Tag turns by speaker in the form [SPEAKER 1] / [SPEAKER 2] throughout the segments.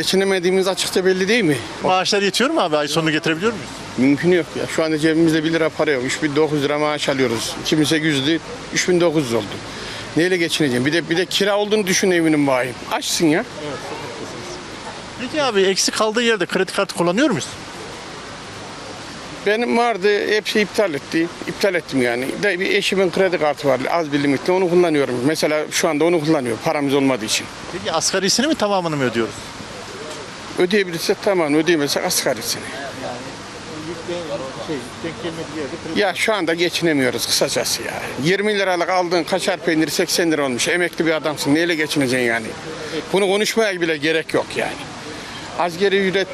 [SPEAKER 1] geçinemediğimiz açıkça belli değil mi?
[SPEAKER 2] Maaşlar yetiyor mu abi? Ay sonunu getirebiliyor muyuz?
[SPEAKER 1] Mümkün yok ya. Şu anda cebimizde 1 lira para yok. 3.900 lira maaş alıyoruz. 2.800'dü, 3.900 oldu. Neyle geçineceğim? Bir de kira olduğunu düşün evinin bayim. Açsın ya.
[SPEAKER 2] Peki abi eksik kaldığı yerde kredi kartı kullanıyor muyuz?
[SPEAKER 1] Benim vardı, hepsi iptal etti. İptal ettim yani. De bir eşimin kredi kartı var, az bir limitle onu kullanıyorum. Mesela şu anda onu kullanıyorum, paramız olmadığı için.
[SPEAKER 2] Peki asgarisini mi tamamını mı ödüyoruz?
[SPEAKER 1] Ödeyebilirsek tamam, ödeyemezsek asgarisini.
[SPEAKER 2] Denk gelmediği yerde
[SPEAKER 1] Ya şu anda geçinemiyoruz kısacası ya. 20 liralık aldığın kaşar peyniri 80 lira olmuş. Emekli bir adamsın, neyle geçineceksin yani? Bunu konuşmaya bile gerek yok yani. Asgari ücret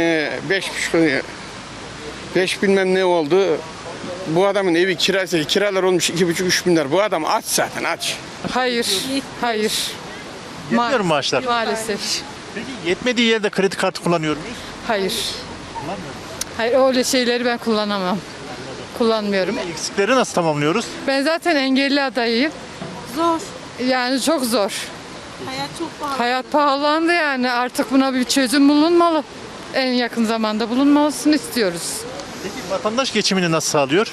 [SPEAKER 1] 5 bilmem ne oldu. Bu adamın evi kirası, kiralar olmuş 2,5-3 bin lira. Bu adam aç zaten aç.
[SPEAKER 3] Hayır, hayır.
[SPEAKER 2] Yetmiyor mu maaşlar?
[SPEAKER 3] Maalesef.
[SPEAKER 2] Peki yetmediği yerde kredi kartı kullanıyor muyuz?
[SPEAKER 3] Hayır. Hayır, öyle şeyleri ben kullanamam. Kullanmıyorum.
[SPEAKER 2] Eksikleri nasıl tamamlıyoruz?
[SPEAKER 3] Ben zaten engelli adayıyım.
[SPEAKER 4] Zor.
[SPEAKER 3] Yani çok zor.
[SPEAKER 4] Hayat çok pahalı.
[SPEAKER 3] Hayat pahalandı yani. Artık buna bir çözüm bulunmalı. En yakın zamanda bulunmalısını istiyoruz.
[SPEAKER 2] Peki vatandaş geçimini nasıl sağlıyor?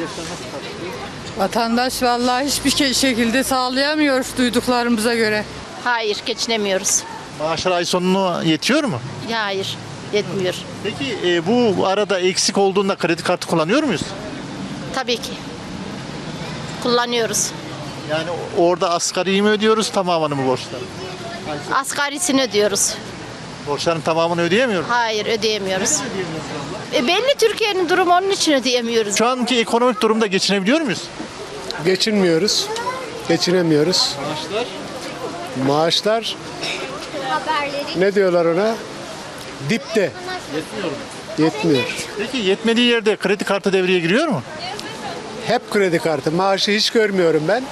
[SPEAKER 3] Vatandaş vallahi hiçbir şekilde sağlayamıyor duyduklarımıza göre.
[SPEAKER 5] Hayır, geçinemiyoruz.
[SPEAKER 2] Maaşlar ay sonunu yetiyor mu?
[SPEAKER 5] Hayır, yetmiyor.
[SPEAKER 2] Peki bu arada eksik olduğunda kredi kartı kullanıyor muyuz?
[SPEAKER 5] Tabii ki. Kullanıyoruz.
[SPEAKER 2] Yani orada asgariyi mi ödüyoruz tamamını mı borçlar?
[SPEAKER 5] Asgarisini ödüyoruz.
[SPEAKER 2] Borçların tamamını ödeyemiyor muyuz?
[SPEAKER 5] Hayır, ödeyemiyoruz. Belli Türkiye'nin durumu onun için ödeyemiyoruz.
[SPEAKER 2] Şu anki ekonomik durumda geçinebiliyor muyuz?
[SPEAKER 6] Geçinmiyoruz. Geçinemiyoruz. Maaşlar ne diyorlar ona? Dipte. Yetmiyor.
[SPEAKER 2] Peki yetmediği yerde kredi kartı devreye giriyor mu?
[SPEAKER 6] Hep kredi kartı. Maaşı hiç görmüyorum ben.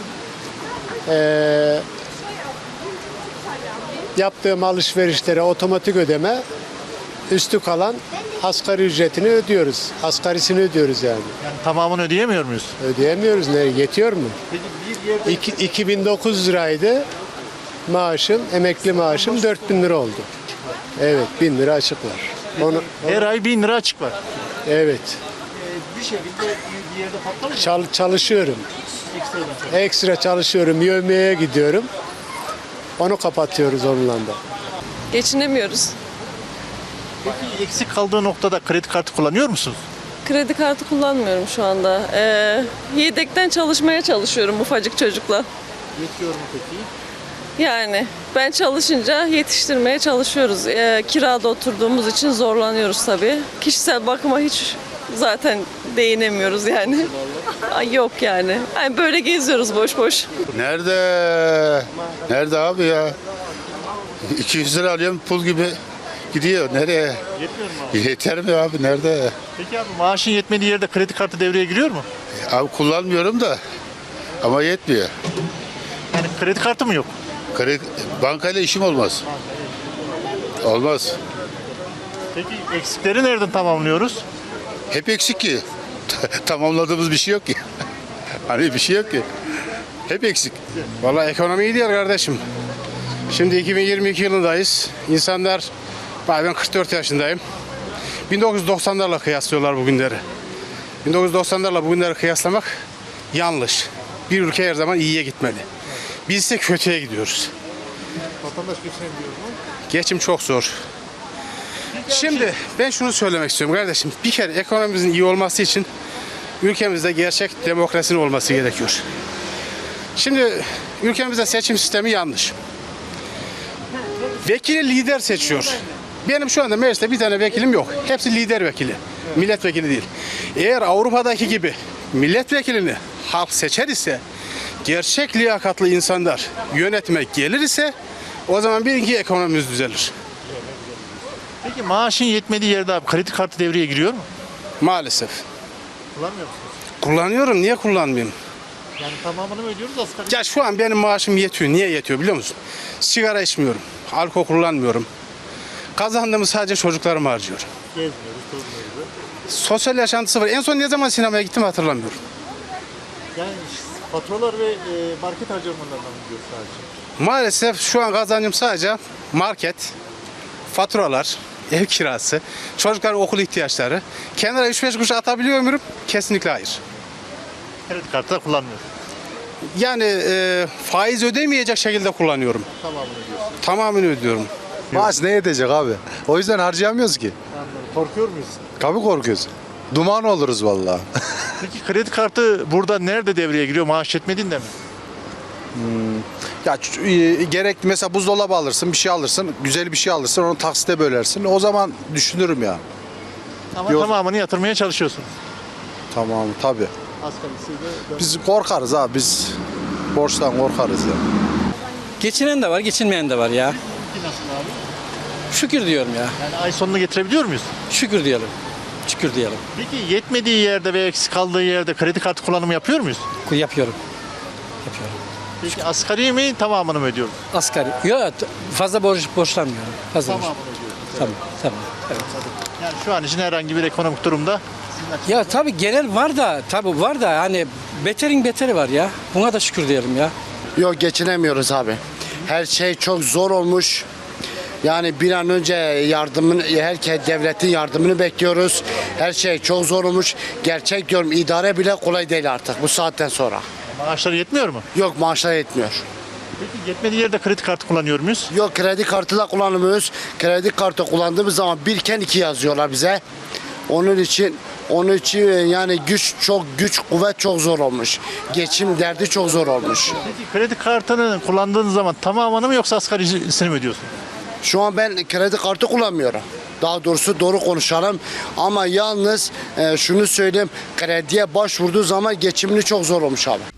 [SPEAKER 6] Yaptığım alışverişlere otomatik ödeme, üstü kalan asgari ücretini ödüyoruz. Asgarisini ödüyoruz yani.
[SPEAKER 2] Yani tamamını ödeyemiyor muyuz?
[SPEAKER 6] Ödeyemiyoruz. Ne yetiyor mu?
[SPEAKER 2] Peki bir yerde
[SPEAKER 6] 2900 liraydı maaşım, emekli maaşım 4000 lira oldu. Evet, 1000 lira açık var.
[SPEAKER 2] her ay 1000 lira açık var.
[SPEAKER 6] Evet,
[SPEAKER 2] Bir şekilde bir yerde patlar mı?
[SPEAKER 6] çalışıyorum. Ekstra çalışıyorum, yövmeye gidiyorum. Onu kapatıyoruz onunla da.
[SPEAKER 7] Geçinemiyoruz.
[SPEAKER 2] Peki eksik kaldığı noktada kredi kartı kullanıyor musunuz?
[SPEAKER 7] Kredi kartı kullanmıyorum şu anda. Yedekten çalışmaya çalışıyorum ufacık çocukla.
[SPEAKER 2] Yetiyor mu peki?
[SPEAKER 7] Yani ben çalışınca yetiştirmeye çalışıyoruz. Kirada oturduğumuz için zorlanıyoruz tabii. Kişisel bakıma hiç zaten değinemiyoruz yani. Ay, yok yani. Yani böyle geziyoruz boş boş.
[SPEAKER 8] Nerede? Nerede abi ya? 200 lira alıyorum pul gibi gidiyor. Nereye?
[SPEAKER 2] Yetmiyor mu abi?
[SPEAKER 8] Yeter mi abi? Nerede?
[SPEAKER 2] Peki abi maaşın yetmediği yerde kredi kartı devreye giriyor mu?
[SPEAKER 8] Abi kullanmıyorum da ama yetmiyor.
[SPEAKER 2] Yani kredi kartı mı yok?
[SPEAKER 8] Bankayla işim olmaz. Olmaz.
[SPEAKER 2] Peki eksikleri nereden tamamlıyoruz?
[SPEAKER 8] Hep eksik ki. Tamamladığımız bir şey yok ki. Hani bir şey yok ki. Hep eksik.
[SPEAKER 1] Vallahi ekonomi iyi değil kardeşim. Şimdi 2022 yılındayız. İnsanlar, ben 44 yaşındayım. 1990'larla kıyaslıyorlar bugünleri. 1990'larla bugünleri kıyaslamak yanlış. Bir ülke her zaman iyiye gitmeli. Biz ise kötüye gidiyoruz.
[SPEAKER 2] Vatandaş geçinebiliyor mu?
[SPEAKER 1] Geçim çok zor. Şimdi ben şunu söylemek istiyorum kardeşim. Bir kere ekonomimizin iyi olması için ülkemizde gerçek demokrasinin olması gerekiyor. Şimdi ülkemizde seçim sistemi yanlış. Vekili lider seçiyor. Benim şu anda mecliste bir tane vekilim yok. Hepsi lider vekili. Milletvekili değil. Eğer Avrupa'daki gibi milletvekilini halk seçer ise, gerçek liyakatlı insanlar yönetime gelir ise o zaman bilin ki ekonomimiz düzelir.
[SPEAKER 2] Peki maaşın yetmediği yerde abi kredi kartı devreye giriyor mu?
[SPEAKER 1] Maalesef.
[SPEAKER 2] Kullanmıyor musunuz?
[SPEAKER 1] Kullanıyorum. Niye kullanmayayım?
[SPEAKER 2] Yani tamamını mı ödüyoruz asgari?
[SPEAKER 1] Ya şu an benim maaşım yetiyor. Niye yetiyor biliyor musun? Sigara içmiyorum. Alkol kullanmıyorum. Kazandığımı sadece çocuklarıma harcıyorum.
[SPEAKER 2] Gezmiyoruz, tozmuyoruz.
[SPEAKER 1] Sosyal yaşantısı var. En son ne zaman sinemaya gittim hatırlamıyorum.
[SPEAKER 2] Yani faturalar ve market harcamalarından gidiyor sadece.
[SPEAKER 1] Maalesef şu an kazancım sadece market, faturalar, ev kirası, çocukların okul ihtiyaçları. Kenara 3-5 kuruş atabiliyor muyum? Kesinlikle hayır.
[SPEAKER 2] Kredi kartı da kullanmıyorsun.
[SPEAKER 1] Yani faiz ödemeyecek şekilde kullanıyorum. Tamamını ödüyorum.
[SPEAKER 9] Maaş ne yetecek abi? O yüzden harcayamıyoruz ki.
[SPEAKER 2] Korkuyor muyuz?
[SPEAKER 9] Tabii korkuyoruz. Duman oluruz vallahi.
[SPEAKER 2] Peki kredi kartı burada nerede devreye giriyor? Maaş yetmediğinde mi?
[SPEAKER 9] Ya gerekli mesela buzdolabı alırsın, bir şey alırsın, güzel bir şey alırsın, onu taksite bölersin. O zaman düşünürüm ya.
[SPEAKER 2] Ama
[SPEAKER 9] Yok.
[SPEAKER 2] tamamını yatırmaya çalışıyorsun.
[SPEAKER 9] Tamam tabii.
[SPEAKER 2] Asgarisiyle.
[SPEAKER 9] Biz korkarız abi, biz borçtan korkarız ya.
[SPEAKER 10] Geçinen de var, geçinmeyen de var ya.
[SPEAKER 2] Nasıl abi?
[SPEAKER 10] Şükür diyorum ya.
[SPEAKER 2] Yani ay sonunu getirebiliyor muyuz?
[SPEAKER 10] Şükür diyelim. Şükür diyelim.
[SPEAKER 2] Peki yetmediği yerde ve eksik kaldığı yerde kredi kartı kullanımı yapıyor muyuz?
[SPEAKER 10] Yapıyorum. Yapıyorum.
[SPEAKER 2] Peki asgari mi tamamını mı ödüyoruz?
[SPEAKER 10] Asgari. Yok, fazla borçlanmıyorum. Fazla borç.
[SPEAKER 2] Tamamını ödüyoruz.
[SPEAKER 10] Tamam, tamam. Evet.
[SPEAKER 2] Yani şu an için herhangi bir ekonomik durumda
[SPEAKER 10] Ya tabii genel var da, tabii var da hani beterin beteri var ya. Buna da şükür diyelim ya.
[SPEAKER 11] Yok, geçinemiyoruz abi. Her şey çok zor olmuş. Yani bir an önce herkes devletin yardımını bekliyoruz. Her şey çok zor olmuş. Gerçek diyorum, idare bile kolay değil artık bu saatten sonra.
[SPEAKER 2] maaşları yetmiyor mu?
[SPEAKER 11] Yok, maaşlar yetmiyor.
[SPEAKER 2] Peki yetmediği yerde kredi kartı kullanıyor muyuz?
[SPEAKER 11] Yok, kredi kartı da kullanmıyoruz. Kredi kartı kullandığımız zaman birken 2 yazıyorlar bize. Onun için yani güç kuvvet çok zor olmuş. Geçim derdi çok zor olmuş.
[SPEAKER 2] Peki kredi kartını kullandığınız zaman tamamını mı yoksa asgarisini mi ödüyorsun?
[SPEAKER 11] Şu an ben kredi kartı kullanmıyorum. Daha doğrusu doğru konuşalım. Ama yalnız şunu söyleyeyim. Krediye başvurduğu zaman geçimini çok zor olmuş abi.